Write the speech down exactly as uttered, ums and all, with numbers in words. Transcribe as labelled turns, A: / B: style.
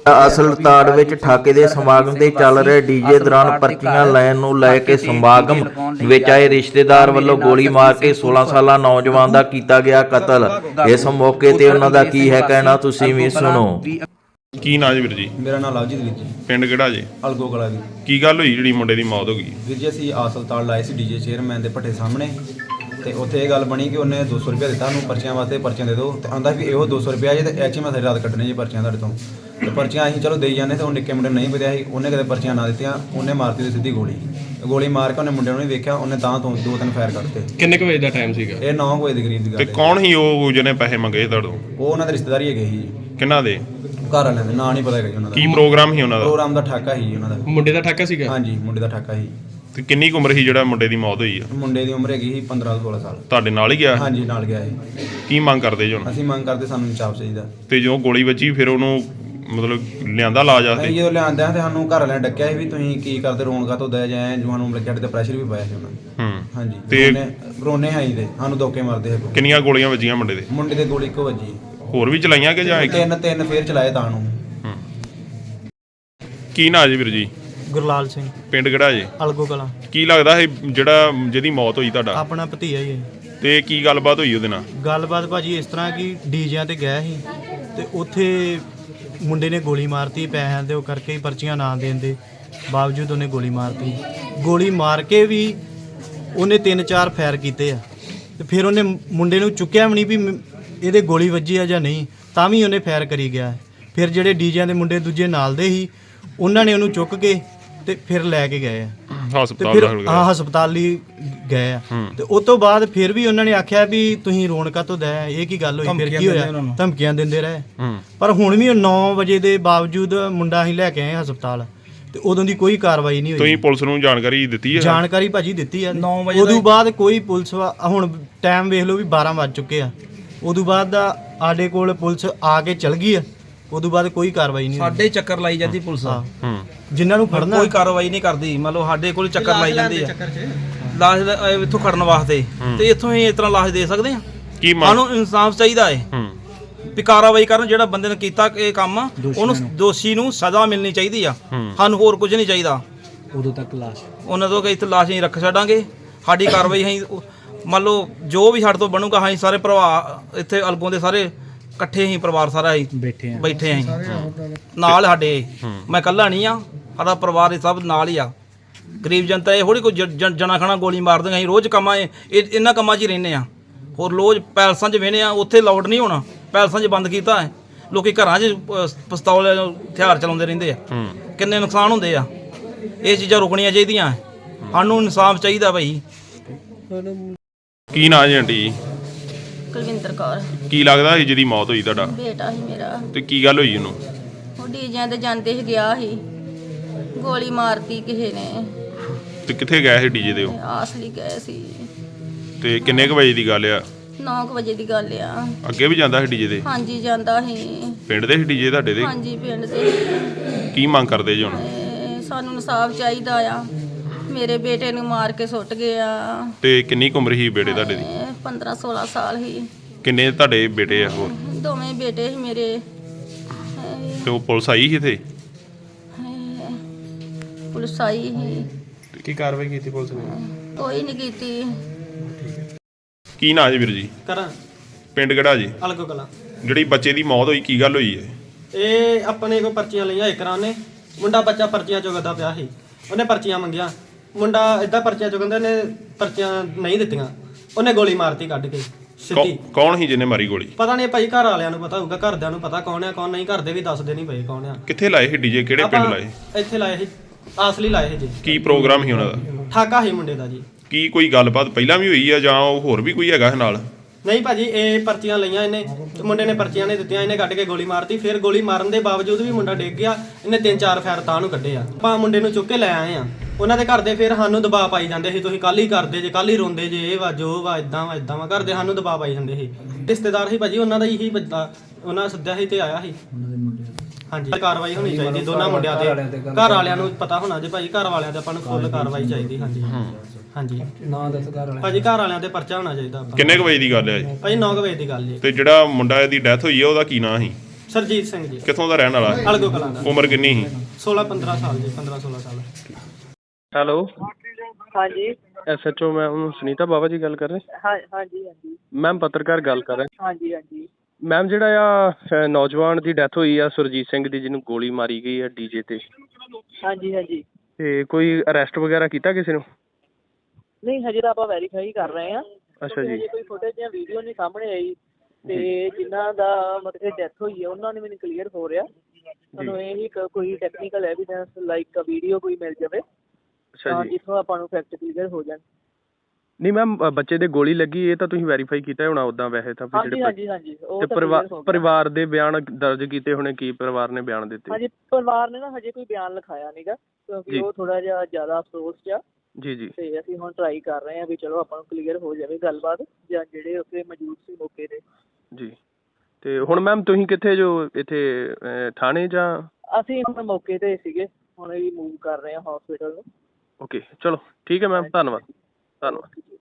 A: ਅਸਲਤਾੜ ਵਿੱਚ ਠਾਕੇ ਦੇ ਸਮਾਗਮ ਤੇ ਚੱਲ ਰਹੇ ਡੀਜੇ ਦੌਰਾਨ ਪਰਚੀਆਂ ਲੈਣ ਨੂੰ ਲੈ ਕੇ ਸਮਾਗਮ ਵਿੱਚ ਆਏ ਰਿਸ਼ਤੇਦਾਰ ਵੱਲੋਂ ਗੋਲੀ ਮਾਰ ਕੇ ਸੋਲਾਂ ਸਾਲਾ ਨੌਜਵਾਨ ਦਾ ਕੀਤਾ ਗਿਆ ਕਤਲ। ਇਸ ਮੌਕੇ ਤੇ ਉਹਨਾਂ ਦਾ ਕੀ ਹੈ ਕਹਿਣਾ, ਤੁਸੀਂ ਵੀ ਸੁਣੋ।
B: ਕੀ ਨਾਂ ਜੀ ਵੀਰ ਜੀ?
C: ਮੇਰਾ ਨਾਮ ਲਵਜੀਤ ਵੀਰ ਜੀ।
B: ਪਿੰਡ ਕਿਹੜਾ ਜੀ?
C: ਅਲਗੋ ਕਲਾ ਜੀ।
B: ਕੀ ਗੱਲ ਹੋਈ ਜਿਹੜੀ ਮੁੰਡੇ ਦੀ ਮੌਤ ਹੋ ਗਈ?
C: ਵੀਰ ਜੀ ਅਸੀਂ ਆਸਲਤਾਲ ਲਾਏ ਸੀ ਡੀਜੇ ਚੇਅਰਮੈਨ ਦੇ ਭੱਠੇ ਸਾਹਮਣੇ, ਤੇ ਉੱਥੇ ਇਹ ਗੱਲ ਬਣੀ ਕਿ ਉਹਨੇ ਦੋ ਸੌ ਰੁਪਇਆ ਦਿੱਤਾ ਉਹਨੂੰ ਪਰਚੀਆਂ ਵਾਸਤੇ, ਪਰਚੀਆਂ ਦੇ ਦਿਓ, ਤੇ ਆਂਦਾ ਵੀ ਇਹੋ ਦੋ ਸੌ ਰੁਪਇਆ ਜੇ ਤੇ ਐਚ ਮੈਂ ਸਾਰੀ ਰਾਤ ਕੱਢਣੇ ਜੀ ਪਰਚੀਆਂ ਤੁਹਾਡੇ ਤੋਂ। ਤੇ ਪਰਚੀਆਂ ਅਸੀਂ ਚਲੋ ਦੇਈ ਜਾਂਦੇ, ਤੇ ਉਹ ਨਿੱਕੇ ਮੁੰਡੇ ਨੂੰ ਨਹੀਂ ਪਤਾ ਸੀ, ਉਹਨੇ ਕਦੇ ਪਰਚੀਆਂ ਨਾ ਦਿੱਤੀਆਂ, ਉਹਨੇ ਮਾਰਤੀ ਉਹਦੀ ਸਿੱਧੀ ਗੋਲੀ। ਗੋਲੀ ਮਾਰ ਕੇ ਉਹਨੇ ਮੁੰਡੇ ਨੂੰ ਨਹੀਂ ਵੇਖਿਆ, ਉਹਨੇ ਤਾਂ ਤੋਂ ਦੋ ਤਿੰਨ ਫਾਇਰ ਕੱਢਤੇ।
D: ਕਿੰਨੇ ਕੁ ਵਜੇ ਦਾ ਟਾਈਮ ਸੀਗਾ?
C: ਇਹ ਨੌ ਵਜੇ ਦੇ ਕਰੀਬ ਦੀ ਗੱਲ
B: ਤੇ
C: ਹੈ।
B: ਕੌਣ ਸੀ ਉਹ ਜਿਹਨੇ ਪੈਸੇ ਮੰਗੇ ਤੁਹਾਡੋਂ?
C: ਉਹ ਉਹਨਾਂ ਦੇ ਰਿਸ਼ਤੇਦਾਰੀ ਹੈਗੇ ਸੀ।
B: ਕਿਹਨਾਂ ਦੇ?
C: ਘਰ ਵਾਲਿਆਂ ਦੇ ਨਾਂ ਨਹੀਂ ਪਤਾ ਹੈਗਾ ਜੀ ਉਹਨਾਂ ਦਾ।
B: ਕੀ ਪ੍ਰੋਗਰਾਮ ਸੀ ਉਹਨਾਂ ਦਾ?
C: ਪ੍ਰੋਗਰਾਮ ਦਾ ਠਾਕਾ ਸੀ ਉਹਨਾਂ ਦਾ।
D: ਮੁੰਡੇ ਦਾ ਠਾਕਾ ਸੀਗਾ?
C: ਹਾਂਜੀ, ਮੁੰਡੇ ਦਾ ਠਾਕਾ ਸੀ।
B: ਤੇ ਕਿੰਨੀ ਕੁ ਉਮਰ ਸੀ ਜਿਹੜਾ ਮੁੰਡੇ ਦੀ ਮੌਤ ਹੋਈ ਆ?
C: ਮੁੰਡੇ ਦੀ ਉਮਰ ਹੈਗੀ ਸੀ ਪੰਦਰਾਂ ਸੋਲਾਂ ਸਾਲ।
B: ਤੁਹਾਡੇ ਨਾਲ ਹੀ ਗਿਆ?
C: ਹਾਂਜੀ, ਨਾਲ ਗਿਆ ਸੀ।
B: ਕੀ ਮੰਗ ਕਰਦੇ ਜੀ ਹੁਣ?
C: ਅਸੀਂ ਮੰਗ ਕਰਦੇ ਸਾਨੂੰ ਇਨਸਾਫ ਚਾਹੀਦਾ।
B: ਤੇ ਜਦੋਂ ਗੋਲੀ ਵੱਜੀ ਫਿਰ ਉਹਨੂੰ ਮਤਲਬ ਲਿਆਂਦਾ ਇਲਾਜ
C: ਅਸੀਂ
B: ਵਾਸਤੇ?
C: ਜਦੋਂ ਲਿਆਂਦੇ ਆ ਤੇ ਸਾਨੂੰ ਘਰ ਵਾਲਿਆਂ ਨੇ ਡੱਕਿਆ ਸੀ ਵੀ ਤੁਸੀਂ ਕੀ ਕਰਦੇ, ਰੋਣ ਕਾਹਤੋਂ ਦਇਆ ਜਾਏ, ਜੋ ਸਾਨੂੰ ਲੱਗਿਆ ਤੇ ਪ੍ਰੈਸ਼ਰ ਵੀ ਪਾਇਆ ਸੀ ਉਹਨਾਂ ਨੇ।
B: ਹੂੰ।
C: ਹਾਂਜੀ,
B: ਤੇ
C: ਤੇ ਰੋਨੇ ਆਈ ਦੇ ਸਾਨੂੰ ਧੋਕੇ ਮਾਰਦੇ ਸੀ।
B: ਕਿੰਨੀਆਂ ਗੋਲੀਆਂ ਵੱਜੀਆਂ ਮੁੰਡੇ ਦੇ?
C: ਮੁੰਡੇ ਦੇ ਗੋਲੀ ਇੱਕੋ ਵੱਜੀ।
B: ਹੋਰ ਵੀ ਚਲਾਈਆਂ ਕਿ ਜਾਂ ਇੱਕ?
C: ਤਿੰਨ ਤਿੰਨ ਫੇਰ ਚਲਾਏ ਤਾਂ ਨੂੰ।
B: ਹੂੰ। ਕੀ ਨਾਂ ਜੀ ਵੀਰ ਜੀ?
E: ਗੁਰਲਾਲ ਸਿੰਘ,
B: ਪਿੰਡ ਕਿਹੜਾ ਜੀ?
E: ਅਲਗੋ ਕਲਾਂ।
B: ਕੀ ਲੱਗਦਾ ਇਹ ਜਿਹੜਾ ਜਿਹਦੀ ਮੌਤ ਹੋਈ ਤੁਹਾਡਾ?
E: ਆਪਣਾ ਭਤੀਆ ਹੀ ਹੈ।
B: ਤੇ ਕੀ ਗੱਲਬਾਤ ਹੋਈ ਉਹਦੇ ਨਾਲ?
E: ਗੱਲਬਾਤ ਭਾਜੀ ਇਸ ਤਰ੍ਹਾਂ ਕਿ ਡੀਜਿਆਂ ਤੇ ਗਿਆ ਸੀ, ਤੇ ਉੱਥੇ ਮੁੰਡੇ ਨੇ ਗੋਲੀ ਮਾਰਤੀ ਪੈਸਿਆਂ ਦੇ ਉਹ ਕਰਕੇ ਹੀ, ਪਰਚੀਆਂ ਨਾ ਦੇਣ ਦੇ ਬਾਵਜੂਦ ਉਹਨੇ ਗੋਲੀ ਮਾਰਤੀ। ਗੋਲੀ ਮਾਰ ਕੇ ਵੀ ਉਹਨੇ ਤਿੰਨ ਚਾਰ ਫਾਇਰ ਕੀਤੇ ਆ, ਤੇ ਫਿਰ ਉਹਨੇ ਮੁੰਡੇ ਨੂੰ ਚੁੱਕਿਆ ਵੀ ਨਹੀਂ ਵੀ ਮ- ਇਹਦੇ ਗੋਲੀ ਵੱਜੀ ਆ ਜਾਂ ਨਹੀਂ, ਤਾਂ ਵੀ ਉਹਨੇ ਫਾਇਰ ਕਰੀ ਗਿਆ। ਫਿਰ ਜਿਹੜੇ ਡੀਜਿਆਂ ਦੇ ਮੁੰਡੇ ਦੂਜੇ ਨਾਲ ਦੇ ਸੀ, ਉਹਨਾਂ ਨੇ ਉਹਨੂੰ ਚੁੱਕ ਕੇ ਤੇ ਫਿਰ ਲੈ ਕੇ ਗਏ ਆ, ਤੇ
B: ਹਸਪਤਾਲ
E: ਫਿਰ
B: ਦਾਖਲ
E: ਹਾਂ
B: ਕਰਾਇਆ?
E: ਹਸਪਤਾਲ ਲਈ ਗਏ ਆ।
B: ਹੂੰ।
E: ਤੇ ਉਸ ਤੋਂ ਬਾਅਦ ਫਿਰ ਵੀ ਉਹਨਾਂ ਨੇ ਆਖਿਆ ਵੀ ਤੁਸੀਂ ਰੋਣ ਕਾਹਤੋਂ ਦਇਆ, ਇਹ ਕੀ ਗੱਲ ਹੋਈ, ਫਿਰ ਕੀ ਹੋਇਆ, ਧਮਕੀਆਂ ਦਿੰਦੇ ਰਹੇ।
B: ਹੂੰ।
E: ਪਰ ਹੁਣ ਵੀ ਨੌ ਵਜੇ ਦੇ ਬਾਵਜੂਦ ਮੁੰਡਾ ਅਸੀਂ ਲੈ ਕੇ ਆਏ ਹਸਪਤਾਲ, ਤੇ ਉਦੋਂ ਦੀ ਕੋਈ ਕਾਰਵਾਈ ਨਹੀਂ ਹੋਈ।
B: ਤੁਸੀਂ ਪੁਲਿਸ ਨੂੰ ਜਾਣਕਾਰੀ ਦਿੱਤੀ ਹੈ?
E: ਜਾਣਕਾਰੀ ਭਾਜੀ ਦਿੱਤੀ ਆ। ਉਦੋਂ ਬਾਅਦ ਕੋਈ ਪੁਲਿਸ ਵਾ- ਹੁਣ ਟਾਈਮ ਵੇਖ ਲਓ ਵੀ ਬਾਰਾਂ ਵੱਜ ਚੁੱਕੇ ਆ, ਉਦੋਂ ਬਾਅਦ ਦਾ ਸਾਡੇ ਕੋਲ ਪੁਲਿਸ ਆ ਕੇ ਚਲ ਗਈ ਆ, ਉਦੋਂ ਬਾਅਦ ਕੋਈ ਕਾਰਵਾਈ ਨਹੀਂ ਹੋਈ।
F: ਸਾਡੇ ਚੱਕਰ ਲਾਈ ਜਾਂਦੀ ਪੁਲਿਸ,
E: ਹਾਂ,
B: ਹੂੰ।
E: ਜਿਨ੍ਹਾਂ ਨੂੰ ਫੜਨਾ
F: ਕੋਈ ਕਾਰਵਾਈ ਨਹੀਂ ਕਰਦੀ। ਮੰਨ ਲਓ ਸਾਡੇ ਕੋਲ ਚੱਕਰ ਲਾਈ ਜਾਂਦੇ ਆ ਲਾਸ਼ ਦਾ, ਅਹ ਇੱਥੋਂ ਖੜਨ ਵਾਸਤੇ, ਤੇ ਇੱਥੋਂ ਹੀ ਇਸ ਤਰ੍ਹਾਂ ਲਾਸ਼ ਦੇ ਸਕਦੇ ਆ।
B: ਕੀ ਮੰਗ?
F: ਸਾਨੂੰ ਇਨਸਾਫ ਚਾਹੀਦਾ ਹੈ
B: ਹੂੰ।
F: ਵੀ ਕਾਰਵਾਈ ਕਰਨ, ਜਿਹੜਾ ਬੰਦੇ ਨੇ ਕੀਤਾ ਇਹ ਕੰਮ, ਉਹਨੂੰ ਦੋਸ਼ੀ ਨੂੰ ਸਜ਼ਾ ਮਿਲਣੀ ਚਾਹੀਦੀ ਆ।
B: ਹੂੰ।
F: ਸਾਨੂੰ ਹੋਰ ਕੁਝ ਨਹੀਂ ਚਾਹੀਦਾ।
E: ਉਦੋਂ ਤੱਕ ਲਾਸ਼
F: ਉਹਨਾਂ ਤੋਂ ਕਿ ਇੱਥੇ ਲਾਸ਼ ਹੀ ਰੱਖ ਛੱਡਾਂਗੇ। ਸਾਡੀ ਕਾਰਵਾਈ ਅਸੀਂ ਮੰਨ ਲਓ ਜੋ ਵੀ ਸਾਡੇ ਤੋਂ ਬਣੂਗਾ, ਅਸੀਂ ਸਾਰੇ ਭਰਾ ਇੱਥੇ ਅਲਗੋਂ ਦੇ ਸਾਰੇ ਇਕੱਠੇ ਹੀ ਪਰਿਵਾਰ ਸਾਰਾ ਹੀ
E: ਬੈਠੇ ਆ
F: ਬੈਠੇ ਆਂ ਨਾਲ ਸਾਡੇ। ਮੈਂ ਇਕੱਲਾ ਨਹੀਂ ਆ, ਸਾਡਾ ਪਰਿਵਾਰ ਇਹ ਸਭ ਨਾਲ ਹੀ ਆ। ਗਰੀਬ ਜਨਤਾ ਇਹ ਥੋੜੀ ਕੋਈ ਜ- ਜ- ਜਣਾ ਖਣਾ ਗੋਲੀ ਮਾਰ ਦਿੰਦੇ। ਅਸੀਂ ਰੋਜ਼ ਕੰਮਾਂ ਇਹ ਇਹ- ਇਹਨਾਂ ਕੰਮਾਂ 'ਚ ਹੀ ਰਹਿੰਦੇ ਆ। ਹੋਰ ਰੋਜ਼ ਪੈਲਸਾਂ 'ਚ ਵੇਹਨੇ ਆ, ਉੱਥੇ ਲਾਊਡ ਨਹੀਂ ਹੋਣਾ, ਪੈਲਸਾਂ 'ਚ ਬੰਦ ਕੀਤਾ ਹੈ। ਲੋਕੀ ਘਰਾਂ 'ਚ ਅਹ, ਪਿਸਤੌਲ ਹਥਿਆਰ ਚਲਾਉਂਦੇ ਰਹਿੰਦੇ ਆ।
B: ਹੂੰ।
F: ਕਿੰਨੇ ਨੁਕਸਾਨ ਹੁੰਦੇ ਆ। ਇਹ ਚੀਜ਼ਾਂ ਰੁਕਣੀਆਂ ਚਾਹੀਦੀਆਂ। ਸਾਨੂੰ ਇਨਸਾਫ ਚਾਹੀਦਾ ਭਾਈ।
B: ਕੀ ਨਾਂ ਜੀ ਆਂਟੀ?
G: ਕੁਲਵਿੰਦਰ ਕੌਰ।
B: ਕੀ ਲੱਗਦਾ ਸੀ ਜਿਹਦੀ ਮੌਤ ਹੋਈ ਤੁਹਾਡਾ?
G: ਬੇਟਾ ਸੀ ਮੇਰਾ।
B: ਤੇ ਕੀ ਗੱਲ ਹੋਈ ਉਹਨੂੰ?
G: ਉਹ ਡੀਜਿਆਂ ਤੇ ਜਾਂਦੇ ਸੀ, ਗਿਆ ਸੀ, ਗੋਲੀ ਮਾਰਤੀ ਕਿਸੇ ਨੇ।
B: ਤੇ ਕਿੱਥੇ ਗਏ ਸੀ ਡੀਜੇ ਦੇ ਉਹ?
G: ਆਸਲੀ ਗਏ ਸੀ।
B: ਤੇ ਕਿੰਨੇ ਕੁ ਵਜੇ ਦੀ ਗੱਲ ਆ?
G: ਨੌ ਕੁ ਵਜੇ ਦੀ ਗੱਲ ਆ।
B: ਅੱਗੇ ਵੀ ਜਾਂਦਾ ਸੀ ਡੀਜੇ ਦੇ?
G: ਹਾਂਜੀ, ਜਾਂਦਾ ਸੀ।
B: ਪਿੰਡ ਦੇ ਸੀ ਡੀਜੇ ਤੁਹਾਡੇ ਦੇ?
G: ਹਾਂਜੀ, ਪਿੰਡ ਦੇ।
B: ਕੀ ਮੰਗ ਕਰਦੇ ਜੀ ਹੁਣ?
G: ਤੇ ਸਾਨੂੰ ਇਨਸਾਫ ਚਾਹੀਦਾ ਆ। ਮੇਰੇ ਬੇਟੇ ਨੂੰ ਮਾਰ ਕੇ ਸੁੱਟ ਗਿਆ।
B: ਤੇ ਕਿੰਨੀ ਕੁ ਉਮਰ ਸੀ ਬੇਟੇ ਤੁਹਾਡੇ ਦੀ?
G: ਪੰਦਰਾਂ ਸੋਲਾਂ ਸਾਲ ਸੀ।
B: ਕਿੰਨੇ ਤੁਹਾਡੇ ਬੇਟੇ ਆ ਹੋਰ?
G: ਦੋਵੇਂ ਬੇਟੇ ਸੀ ਮੇਰੇ।
B: ਤੇ ਉਹ ਪੁਲਿਸ ਆਈ ਸੀ ਇੱਥੇ?
G: ਪੁਲਿਸ ਆਈ ਸੀ,
D: ਕੀ ਕਾਰਵਾਈ ਕੀਤੀ ਪੁਲਿਸ ਨੇ?
G: ਕੋਈ ਨਹੀਂ ਕੀਤੀ।
B: ਕੀ ਨਾਂ ਜੀ ਵੀਰ ਜੀ?
E: ਕਰਾਂ
B: ਪਿੰਡ ਕਿਹੜਾ ਜੀ?
E: ਅਲਗੋ ਕਲਾਂ।
B: ਜਿਹੜੀ ਬੱਚੇ ਦੀ ਮੌਤ ਹੋਈ, ਕੀ ਗੱਲ ਹੋਈ ਹੈ?
E: ਇਹ ਆਪਣੇ ਕੋ ਪਰਚੀਆਂ ਲਈਆਂ ਇਕਰਾਂ ਨੇ। ਮੁੰਡਾ ਬੱਚਾ ਪਰਚੀਆਂ ਚੁਗਦਾ ਪਿਆ ਸੀ, ਉਹਨੇ ਪਰਚੀਆਂ ਮੰਗੀਆਂ। ਮੁੰਡਾ ਇਦਾਂ ਪਰਚੀਆਂ ਚੁਗੰਦੇ ਨੇ, ਪਰਚੀਆਂ ਨਹੀਂ ਦਿੱਤੀਆਂ, ਉਹਨੇ ਗੋਲੀ ਮਾਰਤੀ ਕੱਢ ਕੇ ਸਿੱਧੀ।
B: ਕੌ- ਕੌਣ ਸੀ ਜਿਹਨੇ ਮਾਰੀ ਗੋਲੀ?
E: ਪਤਾ ਨਹੀਂ ਭਾਈ, ਘਰ ਵਾਲਿਆਂ ਨੂੰ ਪਤਾ ਹੋਊਗਾ, ਘਰਦਿਆਂ ਨੂੰ ਪਤਾ ਕੌਣ ਆ ਕੌਣ ਨਹੀਂ। ਘਰ ਦੇ ਵੀ ਦੱਸਦੇ ਨਹੀਂ ਪਏ ਕੌਣ ਆ।
B: ਕਿੱਥੇ ਲਾਏ ਸੀ ਡੀਜੇ? ਕਿਹੜੇ ਪਿੰਡ ਲਾਏ?
E: ਇੱਥੇ ਲਾਏ ਸੀ, ਆਸਲੀ ਲਾਏ ਸੀ ਜੀ।
B: ਕੀ ਪ੍ਰੋਗਰਾਮ ਸੀ ਉਹਨਾਂ ਦਾ?
E: ਠਾਕਾ ਸੀ ਮੁੰਡੇ ਦਾ ਜੀ।
B: ਕੀ ਕੋਈ ਗੱਲਬਾਤ ਪਹਿਲਾਂ ਵੀ ਹੋਈ ਆ ਜਾਂ ਉਹ ਹੋਰ ਵੀ ਕੋਈ ਹੈਗਾ ਨਾਲ?
E: ਨਹੀਂ ਭਾਜੀ, ਇਹ ਪਰਚੀਆਂ ਲਈਆਂ ਇਹਨੇ, ਤੇ ਮੁੰਡੇ ਨੇ ਪਰਚੀਆਂ ਨਹੀਂ ਦਿੱਤੀਆਂ, ਇਹਨੇ ਕੱਢ ਕੇ ਗੋਲੀ ਮਾਰਤੀ। ਫਿਰ ਗੋਲੀ ਮਾਰਨ ਦੇ ਬਾਵਜੂਦ ਵੀ ਮੁੰਡਾ ਡਿੱਗ ਗਿਆ। ਇਹਨੇ ਤਿੰਨ ਚਾਰ ਫਾਇਰ ਤਾਂ ਨੂੰ ਕੱਢੇ ਆ। ਆਪਾਂ ਮੁੰਡੇ ਨੂੰ ਚੁੱਕ ਕੇ ਲੈ ਆਏ ਆ। ਉਹਨਾਂ ਦੇ ਘਰ ਦੇ ਫਿਰ ਸਾਨੂੰ ਦਬਾਅ ਪਾਈ ਜਾਂਦੇ ਸੀ, ਤੁਸੀਂ ਕੱਲ ਹੀ ਕਰਦੇ ਜੇ, ਕੱਲ ਹੀ ਰੋਂਦੇ ਜੇ, ਇਹ ਵਾ ਜੋ ਵਾ, ਇਦਾਂ ਵਾ ਇਦਾਂ ਵਾ, ਘਰ ਦੇ ਸਾਨੂੰ ਦਬਾਅ ਪਾਈ ਜਾਂਦੇ ਸੀ। ਰਿਸ਼ਤੇਦਾਰ ਸੀ ਭਾਜੀ ਉਹਨਾਂ ਦਾ ਹੀ ਬੰਦਾ, ਉਹਨਾਂ ਸੱਦਿਆ ਸੀ ਤੇ ਆਇਆ ਸੀ। ਹਾਂਜੀ, ਕਾਰਵਾਈ ਹੋਣੀ ਚਾਹੀਦੀ ਦੋਨਾਂ ਮੁੰਡਿਆਂ ਤੇ। ਘਰ ਵਾਲਿਆਂ ਨੂੰ ਪਤਾ ਹੋਣਾ ਜੇ ਭਾਜੀ, ਘਰ ਵਾਲਿਆਂ ਤੇ ਆਪਾਂ ਨੂੰ ਫੁੱਲ ਕਾਰਵਾਈ ਚਾਹੀਦੀ। ਹਾਂਜੀ ਹਾਂਜੀ, ਨਾ ਦੱਸ ਘਰ ਵਾਲਿਆਂ ਭਾਜੀ, ਘਰ ਵਾਲਿਆਂ ਤੇ ਪਰਚਾ ਹੋਣਾ ਚਾਹੀਦਾ ਆਪਾਂ।
B: ਕਿੰਨੇ ਕੁ ਵਜੇ ਦੀ ਗੱਲ ਹੈ ਜੀ?
E: ਭਾਜੀ ਨੌ ਕੁ ਵਜੇ ਦੀ ਗੱਲ ਜੀ।
B: ਤੇ ਜਿਹੜਾ ਮੁੰਡਾ ਦੀ ਡੈਥ ਹੋਈ ਹੈ ਉਹਦਾ ਕੀ ਨਾਂ ਸੀ?
E: ਸਰਜੀਤ ਸਿੰਘ ਜੀ,
B: ਕਿੱਥੋਂ ਦਾ ਰਹਿਣ ਵਾਲਾ ਹੈ?
E: ਅਲਗੋ ਕਲਾਂ ਦਾ।
B: ਉਮਰ ਕਿੰਨੀ ਸੀ?
E: ਸੋਲਾਂ ਪੰਦਰਾਂ ਸਾਲ ਜੀ, ਪੰਦਰਾਂ ਸੋਲਾਂ ਸਾਲ।
H: ਹੈਲੋ,
I: ਹਾਂਜੀ
H: S H O ma'am Sunita Bawa ji ਗੱਲ ਕਰ ਰਹੇ?
I: ਹਾਂ ਹਾਂਜੀ ਹਾਂਜੀ
H: ਮੈਮ ਪੱਤਰਕਾਰ ਗੱਲ ਕਰ ਰਹੇ।
I: ਹਾਂਜੀ ਹਾਂਜੀ
H: ਮੈਮ ਜਿਹੜਾ ਆ ਅ, ਨੌਜਵਾਨ ਦੀ ਡੈਥ ਹੋਈ ਆ ਸੁਰਜੀਤ ਸਿੰਘ ਦੀ, ਜਿਹਨੂੰ ਗੋਲੀ ਮਾਰੀ ਗਈ ਆ ਡੀਜੇ ਤੇ,
I: ਹਾਂਜੀ ਹਾਂਜੀ
H: ਤੇ ਕੋਈ ਅਰੈਸਟ ਵਗੈਰਾ ਕੀਤਾ ਕਿਸੇ ਨੂੰ?
I: ਨਹੀਂ ਹਜੇ ਤਾਂ ਆਪਾਂ ਵੈਰੀਫਾਈ ਕਰ ਰਹੇ ਹਾਂ।
H: ਅੱਛਾ ਜੀ।
I: ਹਜੇ ਕੋਈ ਫੁਟੇਜ ਜਾਂ ਵੀਡੀਓ ਨਹੀਂ ਸਾਹਮਣੇ ਆਈ, ਤੇ ਜਿਨ੍ਹਾਂ ਦਾ ਮਤਲਬ ਡੈਥ ਹੋਈ ਹੈ ਉਹਨਾਂ ਨੇ ਮੈਨੂੰ ਕਲੀਅਰ ਹੋ ਰਿਹਾ। ਤੁਹਾਨੂੰ ਇਹ ਹੀ ਕ- ਕੋਈ ਟੈਕਨੀਕਲ ਐਵੀਡੈਂਸ ਲਾਈਕ ਵੀਡੀਓ ਕੋਈ ਮਿਲ ਜਾਵੇ
H: ਅੱਛਾ
I: ਤਾਂ
H: ਜੀ।
I: ਜਿੱਥੋਂ ਆਪਾਂ ਨੂੰ ਫੈਕਟ ਕਲੀਅਰ ਹੋ ਜਾਣ।
H: ਨਹੀਂ ਮੈਮ, ਬੱਚੇ ਦੇ ਗੋਲੀ ਲੱਗੀ ਇਹ ਤਾਂ ਤੁਸੀਂ ਵੈਰੀਫਾਈ ਕੀਤਾ ਹੋਣਾ ਉਦਾਂ ਵੈਸੇ ਤਾਂ ਵੀ
I: ਹਾਂਜੀ
H: ਜਿਹੜੇ
I: ਹਾਂਜੀ ਹਾਂਜੀ ਉਹ
H: ਤੇ
I: ਤਾਂ
H: ਪਰਿਵਾ-
I: clear ਹੋ ਗਿਆ।
H: ਪਰਿਵਾਰ ਦੇ ਬਿਆਨ ਦਰਜ ਕੀਤੇ ਹੋਣੇ, ਕੀ ਪਰਿਵਾਰ ਨੇ ਬਿਆਨ ਦਿੱਤੇ?
I: ਹਾਂਜੀ ਪਰਿਵਾਰ ਨੇ ਨਾ ਹਜੇ ਕੋਈ ਬਿਆਨ ਲਿਖਾਇਆ ਨਹੀਂਗਾ, ਕਿਉਂਕਿ
H: ਜੀ।
I: ਉਹ ਥੋੜਾ ਜਿਹਾ ਜ਼ਿਆਦਾ ਅਫਸੋਸ 'ਚ ਆ।
H: ਜੀ ਜੀ
I: ਤੇ ਅਸੀਂ ਹੁਣ ਟਰਾਈ ਕਰ ਰਹੇ ਹਾਂ ਵੀ ਚਲੋ ਆਪਾਂ ਨੂੰ ਕਲੀਅਰ ਹੋ ਜਾਵੇ ਗੱਲਬਾਤ, ਜਾਂ ਜਿਹੜੇ ਉੱਥੇ ਮੌਜੂਦ ਸੀ ਮੌਕੇ ਤੇ।
H: ਜੀ। ਤੇ ਹੁਣ ਮੈਮ ਤੁਸੀਂ ਕਿੱਥੇ ਜੋ ਇੱਥੇ ਅ, ਥਾਣੇ ਜਾਂ?
I: ਅਸੀਂ ਹੁਣ ਮੌਕੇ ਤੇ ਸੀਗੇ, ਹੁਣ ਵੀ ਮੂਵ ਕਰ ਰਹੇ ਹਾਂ ਹਸਪੀਟਲ ਨੂੰ।
H: ਓਕੇ ਚਲੋ ਠੀਕ ਹੈ ਮੈਮ, ਧੰਨਵਾਦ ਧੰਨਵਾਦ।